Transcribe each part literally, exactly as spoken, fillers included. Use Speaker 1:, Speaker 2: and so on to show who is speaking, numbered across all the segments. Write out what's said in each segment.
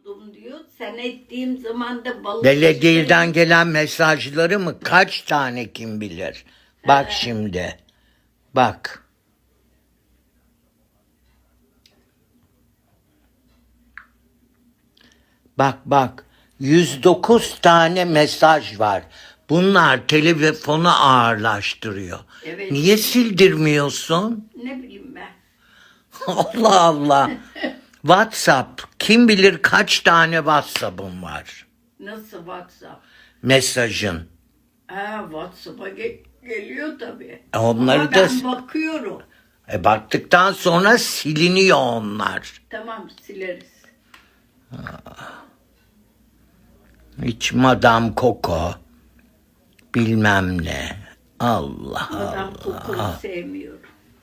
Speaker 1: Buldum diyor. Sen ettiğim zaman da balık...
Speaker 2: Belediyeden gelen mesajları mı? Kaç tane kim bilir? Bak şimdi. Bak. Bak bak. yüz dokuz tane mesaj var. Bunlar telefonu ağırlaştırıyor.
Speaker 1: Evet.
Speaker 2: Niye sildirmiyorsun?
Speaker 1: Ne bileyim ben.
Speaker 2: Allah Allah. WhatsApp. Kim bilir kaç tane WhatsApp'ım var.
Speaker 1: Nasıl WhatsApp?
Speaker 2: Mesajın.
Speaker 1: Ha, WhatsApp'a ge- geliyor tabii.
Speaker 2: E onları
Speaker 1: Ama
Speaker 2: da-
Speaker 1: ben bakıyorum.
Speaker 2: E baktıktan sonra siliniyor onlar.
Speaker 1: Tamam, sileriz.
Speaker 2: Hiç Madame Coco. Bilmem ne. Allah
Speaker 1: Madame
Speaker 2: Allah.
Speaker 1: Coco'yu sevmiyorum.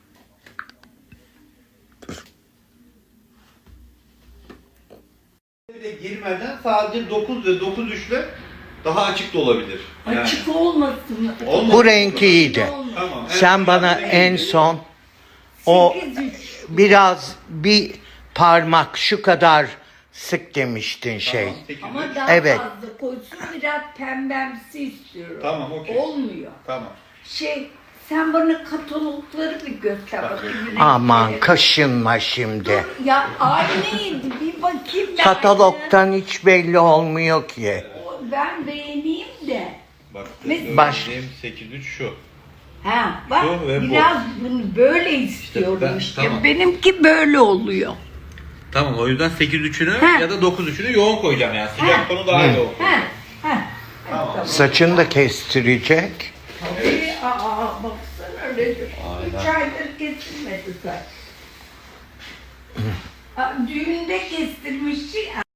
Speaker 3: Bile girmeden sadece dokuz ve dokuz üçle daha açık da olabilir. Yani.
Speaker 1: Açık olmasın mı?
Speaker 3: Olmaz.
Speaker 2: Bu renk iyiydi.
Speaker 3: Tamam.
Speaker 2: Sen bana en son o
Speaker 1: sekiz üç.
Speaker 2: biraz bir parmak şu kadar sık demiştin şey.
Speaker 3: Tamam, sekiz
Speaker 1: Ama
Speaker 3: üç.
Speaker 1: daha
Speaker 2: Evet.
Speaker 1: fazla koysun, biraz pembemsi istiyorum.
Speaker 3: Tamam, okey.
Speaker 1: Olmuyor.
Speaker 3: Tamam.
Speaker 1: Şey, sen bana katalogları bir göster bakayım.
Speaker 2: Aman
Speaker 1: renkleri.
Speaker 2: kaşınma şimdi.
Speaker 1: Dur ya, aynıydı, bir bakayım ben.
Speaker 2: Katalogtan hiç belli olmuyor ki.
Speaker 1: Ben beğeneyim de.
Speaker 3: Bak.
Speaker 1: Mes-
Speaker 2: Baş-
Speaker 3: sekiz üç şu.
Speaker 1: Ha bak,
Speaker 3: Şu ve bu.
Speaker 1: biraz bunu böyle istiyorum
Speaker 3: ben-
Speaker 1: işte.
Speaker 3: tamam.
Speaker 1: Benimki böyle oluyor.
Speaker 3: Tamam, o yüzden sekiz üçünü
Speaker 1: Ha.
Speaker 3: ya da dokuz üçünü yoğun koyacağım yani. Sıcak tonu daha yoğun.
Speaker 1: Ha, ha.
Speaker 3: Tamam.
Speaker 2: Saçını da kestirecek.
Speaker 1: Tabii, aa, baksana Recep. Üç aydır kesilmedi saç. Aa, düğünde kestirmişti ya.